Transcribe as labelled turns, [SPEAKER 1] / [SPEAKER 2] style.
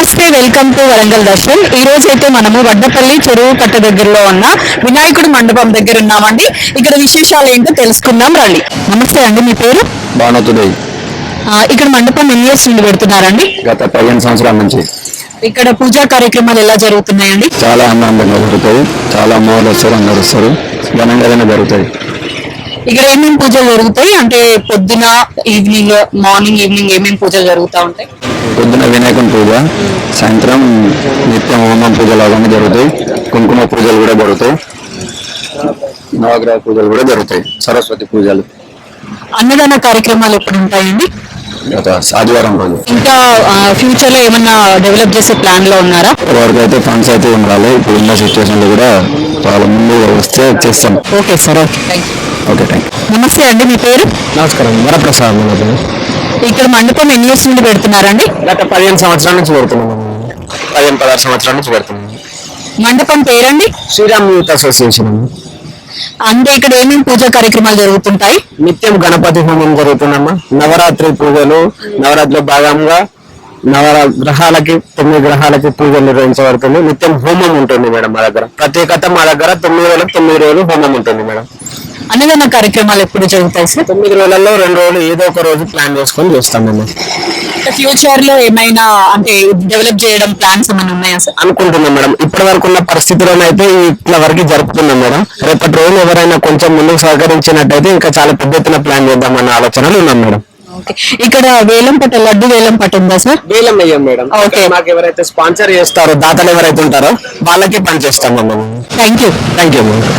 [SPEAKER 1] నమస్తే, welcome to Warangal Darshan. ఈ రోజు అయితే మనము వడ్డపల్లి చెరువు కట్ట దగ్గరలో ఉన్న వినాయకుడి మండపం దగ్గర ఉన్నామండి. ఇక్కడ విశేషాలు ఏంటో తెలుసుకుందాం రండి. నమస్తే అండి, మీ పేరు?
[SPEAKER 2] భానుతుడై.
[SPEAKER 1] ఇక్కడ మండపం ఎన్ని ఇయర్స్ నుండి పెడుతున్నారండి?
[SPEAKER 2] గత 15 సంవత్సరాల నుంచి.
[SPEAKER 1] ఇక్కడ పూజా కార్యక్రమాలు ఎలా జరుగుతున్నాయండి?
[SPEAKER 2] చాలా ఆనందంగా జరుగుతాయి. చాలా అమ్మవారు వస్తారు, అందరు వస్తారు, ఘనంగానే జరుగుతాయి.
[SPEAKER 1] ఇక్కడ ఏమేమి పూజలు జరుగుతాయి అంటే పొద్దున, ఈవినింగ్, మార్నింగ్, ఈవినింగ్ ఏమేమి పూజలు జరుగుతూ ఉంటాయి?
[SPEAKER 2] పొద్దున వినాయకుని పూజ, సాయంత్రం నిత్యం హోమం పూజలు అవన్నీ జరుగుతాయి. కుంకుమ పూజలు కూడా జరుగుతాయి, నవగ్రహ పూజలు కూడా జరుగుతాయి, సరస్వతి పూజలు.
[SPEAKER 1] అన్నదాన కార్యక్రమాలు ఎప్పుడు ఉంటాయండి?
[SPEAKER 2] గత ఆదివారం రోజు.
[SPEAKER 1] ఇంకా ఫ్యూచర్ లో ఏమన్నా డెవలప్ చేసే ప్లాన్ లో ఉన్నారా?
[SPEAKER 2] వరకు అయితే ఫండ్స్ అయితే ఏం రాలేదు. ఇప్పుడు ఉన్న సిచ్యువేషన్ లో కూడా చాలా ముందు వస్తే చేస్తాం.
[SPEAKER 1] Okay sir, okay,
[SPEAKER 2] okay, thank you.
[SPEAKER 1] నమస్తే అండి, మీ పేరు?
[SPEAKER 2] నమస్కారం, వరప్రసాద్.
[SPEAKER 1] ఇక్కడ మండపం ఎన్ని ఇయర్స్ నుండి పెడుతున్నారండి?
[SPEAKER 2] గత 15 సంవత్సరాల నుంచి పెడుతున్నాము. 15-16 సంవత్సరాల నుంచి పెడుతున్నాము.
[SPEAKER 1] మండపం పేరండి?
[SPEAKER 2] Sriram youth association.
[SPEAKER 1] అంటే ఇక్కడ ఏమేమి పూజా కార్యక్రమాలు జరుగుతుంటాయి?
[SPEAKER 2] నిత్యం గణపతి హోమం జరుగుతుందమ్మా. నవరాత్రి పూజలు, నవరాత్రిలో భాగంగా గ్రహాలకి 9 గ్రహాలకి పూజలు నిర్వహించబడుతుంది. నిత్యం హోమం ఉంటుంది మేడం. మా దగ్గర ప్రత్యేకత, మా దగ్గర 9 రోజులకు 9 రోజులు హోమం ఉంటుంది మేడం.
[SPEAKER 1] అన్నదాన కార్యక్రమాలు ఎప్పుడు జరుగుతాయి సార్?
[SPEAKER 2] 9 రోజులలో 2 రోజులు ఏదో ఒక రోజు ప్లాన్ చేసుకొని చేస్తాం మేము.
[SPEAKER 1] ఫ్యూచర్ లో ఏమైనా అంటే డెవలప్ చేయడం ప్లాన్స్ ఏమైనా ఉన్నాయా సార్?
[SPEAKER 2] అనుకుంటున్నాం మేడం. ఇప్పటి వరకు ఉన్న పరిస్థితుల్లోనైతే ఇట్లా వరకు జరుపుతున్నాం మేడం. రేపటి రోజు ఎవరైనా కొంచెం ముందుకు సహకరించినట్టయితే ఇంకా చాలా పెద్ద ఎత్తున ప్లాన్ చేద్దామన్న ఆలోచనలు ఉన్నాం మేడం.
[SPEAKER 1] ఇక్కడ వేలం పట్ట, లడ్డు వేలం పట్ట ఉందా సార్?
[SPEAKER 2] వేలం అయ్యాం మేడం.
[SPEAKER 1] ఓకే,
[SPEAKER 2] మాకు ఎవరైతే స్పాన్సర్ చేస్తారో, దాతలు ఎవరైతే ఉంటారో వాళ్ళకి పని చేస్తాం.
[SPEAKER 1] Thank you.
[SPEAKER 2] Thank you.